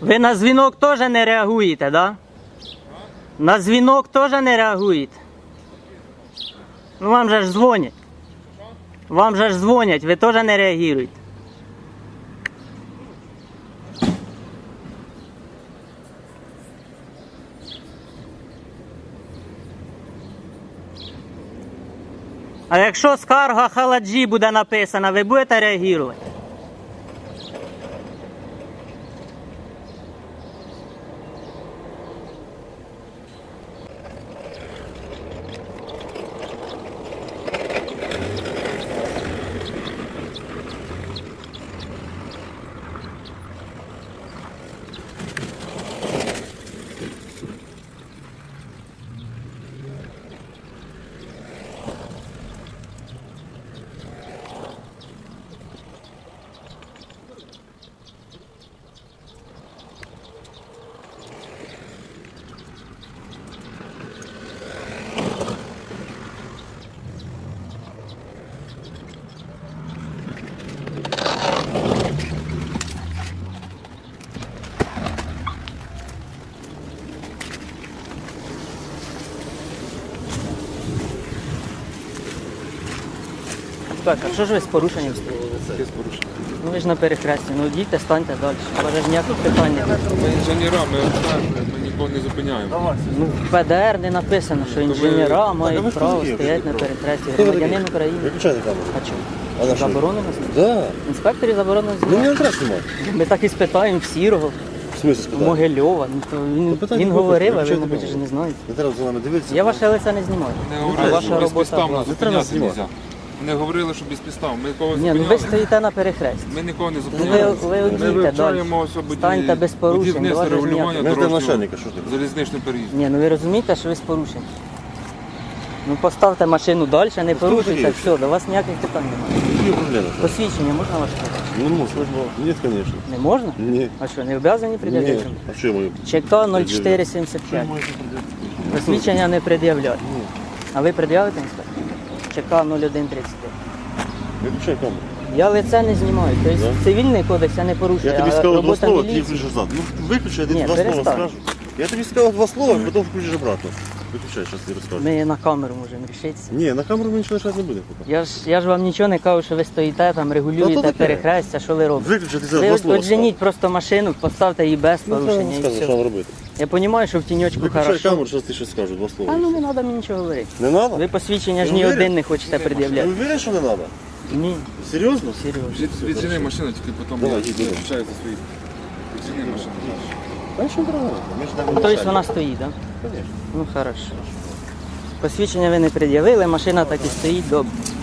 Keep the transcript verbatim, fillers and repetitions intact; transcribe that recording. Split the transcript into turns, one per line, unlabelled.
Ви на дзвінок теж не реагуєте, так? Да? На дзвінок теж не реагуєте? Ну вам же ж дзвонять. Вам же ж дзвонять, ви теж не реагуєте. А якщо скарга Халаджі буде написана, ви будете реагувати? Так, а що ж ви з порушенням стоїте?
Без порушення.
Ну ви ж на перехресті, ну йдіть, станьте далі. У вас ж ніяких питань немає.
Ми інженера, ми обстежуємо, ми нікого не зупиняємо.
Ну, в Пе Де Ер не написано, що інженера мають право стояти на перехресті. Громадянин України.
Виключайте камеру.
А чому?
А на що?
Заборонено знімати?
Да.
Інспекторі заборонено
Ну
знімати.
не треба знімати.
Ми так і спитаємо в Сірого,
В смысле
в
спитати?
Могильова. Ну, то він
Ну, питання
він
буде,
говорив, а ви,
виключайте
мабуть, ж
камеру.
не знаєте.
Не треба за нами дивитися.
Я ваше лице не знімаю.
Не
А
говорили,
ваша
що
робота
безпідставно
була.
треба
зупиняти
знімати.
нельзя. Не говорили, що безпідставно. Ми нікого
Ні, ну ви
зупиняли.
стоїте на перехресті.
Ми нікого не
Ну, ви,
зупиняли.
ви
Ми
одійте далі.
вивчаємо ось будь-
Станьте без порушень. до
будівництво,
вас ж
регулювання
ніяких-
Ми ждемо
дорожнього
начальника, що ти?
залізничний переїзд.
Ні, ну ви розумієте, що ви з порушенням. Ну поставте машину далі, не порушуйте,
таке?
все, до вас ніяких питань немає.
Які проблеми?
Посвідчення можна ваше побачити?
Ну, не можна.
Службове.
Ні, звісно.
Не можна?
Ні.
А що, не обов'язані
Ні.
пред'явити?
А що я маю?
ЧК нуль чотири сімдесят п'ять. Посвідчення не пред'являють. А ви пред'явите, інспектор? ЧК нуль один тридцять п'ять.
Виключай камеру.
Я лице не знімаю. Тобто
Да?
цивільний кодекс я не порушую,
Я тобі
а
сказав два
робота
слова, ти
міліції.
включиш назад. Ну виключай, я тобі
Ні,
два слова
перестань.
скажу. Я тобі сказав два слова, потім включиш обратно. Виключай, зараз ти розкажу.
Ми на камеру можемо рішитися.
Ні, на камеру ми нічого лишати не буде. поки.
Я ж, я ж вам нічого не кажу, що ви стоїте там,
Та
регулюєте
то таке.
перехрестя, що ви робите.
Виключай, ти зараз
Ви
два
от,
слова
от женіть просто машину, поставте її без
Ну, треба
порушення і
розказувати, що
все.
вам робити.
Я розумію, що в тіньочку
Виключай
хорошо.
камеру, зараз ти щось скажеш, два слова.
А ну не треба мені нічого говорити.
Не треба?
Ви посвідчення ж
Ти
ні
уверен?
один не хочете
Ти
пред'являти.
уверен, що не треба?
Ні,
Серйозно?
серйозно.
Віджени машину, тільки потім
Давай,
я
їдь, їдь.
відповідаю за свої. Віджени машину.
А що не треба? Ми ж там
Ну, тобто вона стоїть, так? Да?
Конечно.
Ну хорошо. Посвідчення ви не пред'явили, машина так і стоїть, добре.